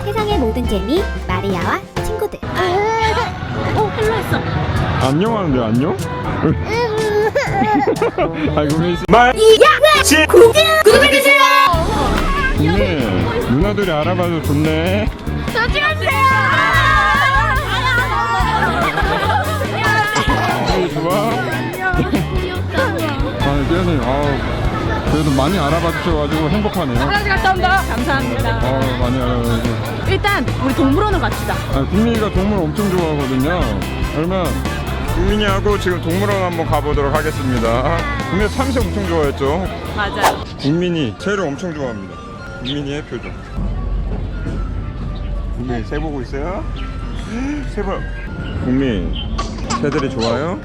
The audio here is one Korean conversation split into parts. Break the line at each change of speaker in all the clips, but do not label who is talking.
세상의 모든 재미 마리아와 친구들.
헬로 했어.
안녕 하는데 안녕? 아이고 메이스
구독해주세요.
좋네. 누나들이 알아봐서 좋네.
저 찍어주세요.
좋아? 아, 깨어님, 그래도 많이 알아봐 주셔가지고 행복하네요.
화장실 갔다 온다. 감사합니다.
많이 알아봐주고.
일단 우리 동물원을 갑시다.
국민이가 동물 엄청 좋아하거든요. 그러면 국민이하고 지금 동물원 한번 가보도록 하겠습니다. 국민이 참새 엄청 좋아했죠?
맞아요.
국민이 새를 엄청 좋아합니다. 국민이의 표정. 국민이 새 보고 있어요? 새 봐. 국민, 새들이 좋아요?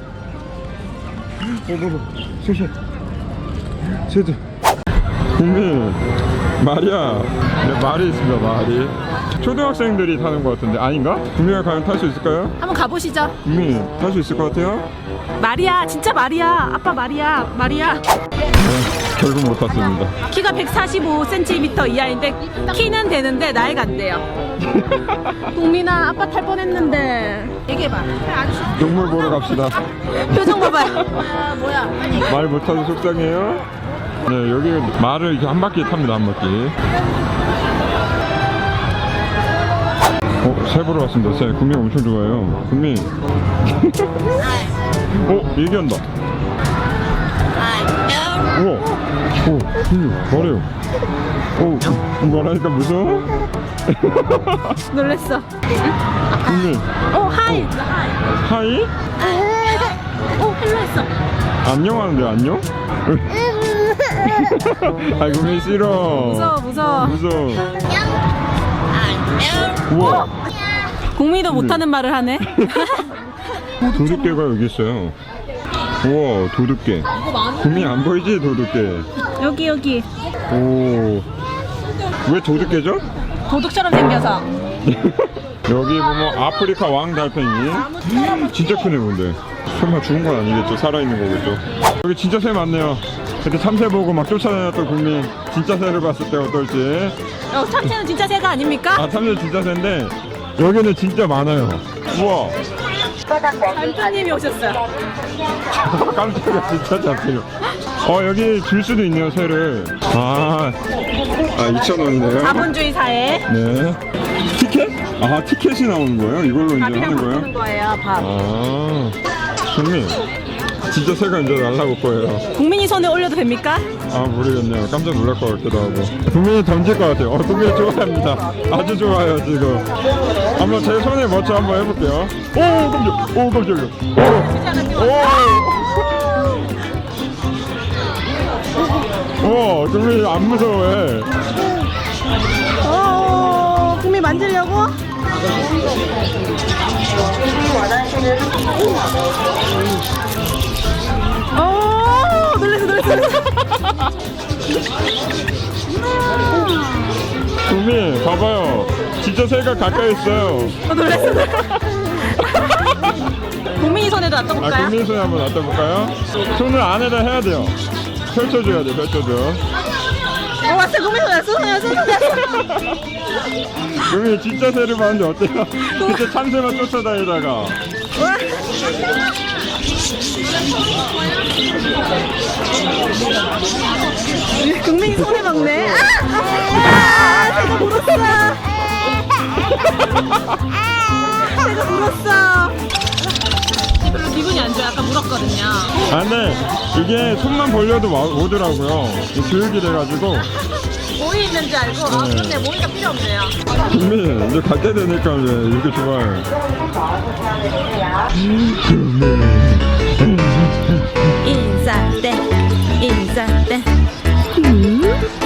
새들. 국민, 마리아. 네, 말이 있습니다, 말이. 초등학생들이 타는 것 같은데 아닌가? 국민이가 가면 탈 수 있을까요?
한번 가보시죠.
국민, 탈 수 있을 것 같아요?
마리아, 진짜 마리아. 아빠 마리아.
네, 결국 못 탔습니다.
키가 145cm 이하인데 키는 되는데 나이가 안 돼요. 동민아, 아빠 탈 뻔했는데. 얘기해봐.
동물 보러 갑시다.
표정 봐봐요. 뭐야?
말 못하도 속상해요? 네, 여기 말을 이렇게 한 바퀴 탑니다, 한 바퀴. 새 보러 왔습니다. 새. 국민 엄청 좋아해요. 국민. 얘기한다. 우와. 국민, 뭐래요? 말하니까 무서워?
놀랬어.
국민.
하이.
하이?
헬로 했어.
안녕 하는데 안녕? 아이 국민 싫어.
무서워.
우와.
국민이도 못하는 말을 하네.
도둑개가 여기 있어요. 우와, 도둑개. 국민 안 보이지, 도둑개?
여기.
오. 왜 도둑개죠?
도둑처럼 생겨서.
여기 보면 아프리카 왕 달팽이. 진짜 크네, 근데. 설마 죽은 건 아니겠죠? 살아있는 거겠죠? 여기 진짜 새 많네요. 그때 참새 보고 막 쫓아다녔던 국민. 진짜 새를 봤을 때 어떨지.
참새는 진짜 새가 아닙니까?
참새 진짜 새인데 여기는 진짜 많아요. 우와.
단장님이 오셨어요.
깜짝이야, 진짜 잡히요. 여기 줄 수도 있네요, 새를. 2,000원이네요.
자본주의 사회.
네. 티켓? 티켓이 나오는 거예요? 이걸로 이제
밥이랑
하는
바꾸는
거예요?
거예요. 밥.
국민, 진짜 새가 이제 날라올 거예요.
국민이 손에 올려도 됩니까?
모르겠네요. 깜짝 놀랄 것 같기도 하고. 국민이 던질 것 같아요. 국민이 좋아합니다. 아주 좋아요, 지금. 한번 제 손에 멋져 한번 해볼게요. 깜짝이야. 국민이 안 무서워해.
국민 만지려고? 놀랬어.
국민, 봐봐요. 진짜 새가 가까이 있어요.
놀랬어. 국민이 손에도 놔둬볼까요?
국민 손에 한번 놔둬볼까요? 손을 안에다 해야 돼요. 펼쳐줘야 돼, 펼쳐줘.
왔어. 국민 손에 놨어.
국민 진짜 새를 봤는데 어때요? 진짜 참새만 쫓아다니다가.
국민이 손에 먹네. 새가 물었어. 새가 물었어. 별로 기분이 안 좋아. 아까 물었거든요.
근데 이게 손만 벌려도 오더라고요. 교육이 돼가지고.
모이 있는 줄 알고. 그런데 모이가 필요 없네요.
국민, 이제 갈 때 되니까 이제 이렇게 좋아요.
인사 때.